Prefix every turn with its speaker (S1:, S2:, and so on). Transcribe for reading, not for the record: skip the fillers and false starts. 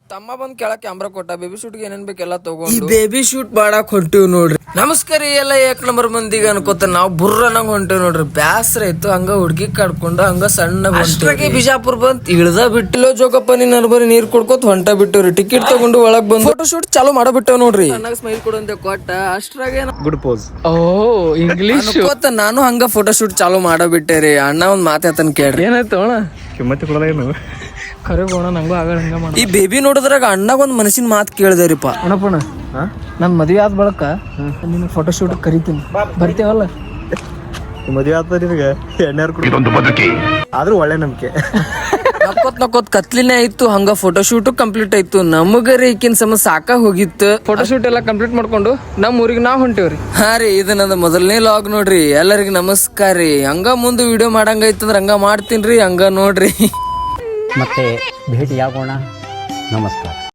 S1: ತಮ್ಮ ಬಂದ್ ಕೆಳಕ್ ಕ್ಯಾಮ್ರಾ ಕೊಟ್ಟ ಬೇಬಿ ಶೂಟ್ ಗೆ ಏನೇನ್ ಬೇಕೆಲ್ಲ ತಗೊಂಡು ಬೇಬಿ ಶೂಟ್ ಮಾಡಕ್ ಹೊಂಟಿವ್ ನೋಡ್ರಿ. ನಮಸ್ಕಾರ ಎಲ್ಲ ಏಕ್ ನಂಬರ್ ಮಂದಿಗೆ ಅನ್ಕೋತ ನಾವ್ ಬುರ್ರನಂಗ್ ಹೊಂಟಿವ್ ನೋಡ್ರಿ. ಬ್ಯಾಸ್ರ ಇತ್ತು ಹಂಗ ಹುಡ್ಗಿ ಕಡ್ಕೊಂಡು ಹಂಗ ಸಣ್ಣ ಬಿಜಾಪುರ್ ಬಂದ್ ಇಳ್ದ ಬಿಟ್ಟಿಲ್ಲೋ ಜೋಗಪ್ಪ ನೀರ್ ನೀರ್ ಕುಡ್ಕೋತ ಹೊಂಟ ಬಿಟ್ಟವ್ರಿ. ಟಿಕೆಟ್ ತಗೊಂಡು ಒಳಗ್ ಬಂದ್ ಫೋಟೋ ಶೂಟ್ ಚಾಲು ಮಾಡಬಿಟ್ಟವ್ ನೋಡ್ರಿ. ಸ್ಮೈಲ್ ಕೊಡಂತೆ ಕೊಟ್ಟ ಅಷ್ಟ್ರಾಗೆ
S2: ಗುಡ್ ಪೋಸ್.
S1: ಓ ಇಂಗ್ಲಿಷ್ ನಾನು ಹಂಗ ಫೋಟೋ ಶೂಟ್ ಚಾಲು ಮಾಡಬಿಟ್ಟೆ ರೀ. ಅಣ್ಣ ಒಂದ್ ಮಾತಾತನ್ ಕೇಳ್ರಿ.
S2: ಏನಾಯ್ತು ಅಣ್ಣ ಕಿಮ್ಮತ್ತಿ ಕೊಡಲ್ಲ ಏನು
S1: ಖರೆ ಗೋಣ ನಂಗೂ ಆಗ ಹಂಗ ಮಾಡ. ಈ ಬೇಬಿ ನೋಡಿದ್ರಾಗ ಅಣ್ಣಗ ಒಂದ್ ಮನಸ್ಸಿನ ಮಾತು ಕೇಳ್ದೇರಿಪ್ಪ.
S2: ಅಣ್ಣಪ್ಪಣ
S1: ನನ್ ಮದ್ವೆ ಆದ ಬಳಕ ನಿನ್ ಫೋಟೋ ಶೂಟ್ ಕರಿತೀನಿ ಬರ್ತೇವಲ್ಲ.
S2: ಮದ್ವೆ ಆದ ನಿನಗೆ ಎಣ್ಣೆರು ಆದ್ರೂ ಒಳ್ಳೆ ನಂಬಿಕೆ.
S1: ನಕ್ಕೋತ್ ಕತ್ಲಿನೇ ಆಯ್ತು ಹಂಗ ಫೋಟೋ ಶೂಟ್ ಕಂಪ್ಲೀಟ್ ಆಯ್ತು. ನಮಗರಿ ಈಕಿನ ಸಮ ಸಾಕ ಹೋಗಿತ್ತು. ಫೋಟೋ ಶೂಟ್ ಎಲ್ಲ ಕಂಪ್ಲೀಟ್ ಮಾಡ್ಕೊಂಡು ನಮ್ ಊರಿಗೆ ನಾವ್ ಹೊಂಟೇವ್ರಿ. ಹಾ ರೀ ಇದು ನಂದು ಮೊದಲನೇ ಲಾಗ್ ನೋಡ್ರಿ. ಎಲ್ಲರಿಗೂ ನಮಸ್ಕಾರ ರೀ. ಹಂಗ ಮುಂದೆ ವಿಡಿಯೋ ಮಾಡಂಗೈತಂದ್ರ ಹಂಗ ಮಾಡ್ತೀನ್ರಿ. ಹಂಗ ನೋಡ್ರಿ
S3: ಮತ್ತೆ ಭೇಟಿಯಾಗೋಣ. ನಮಸ್ಕಾರ.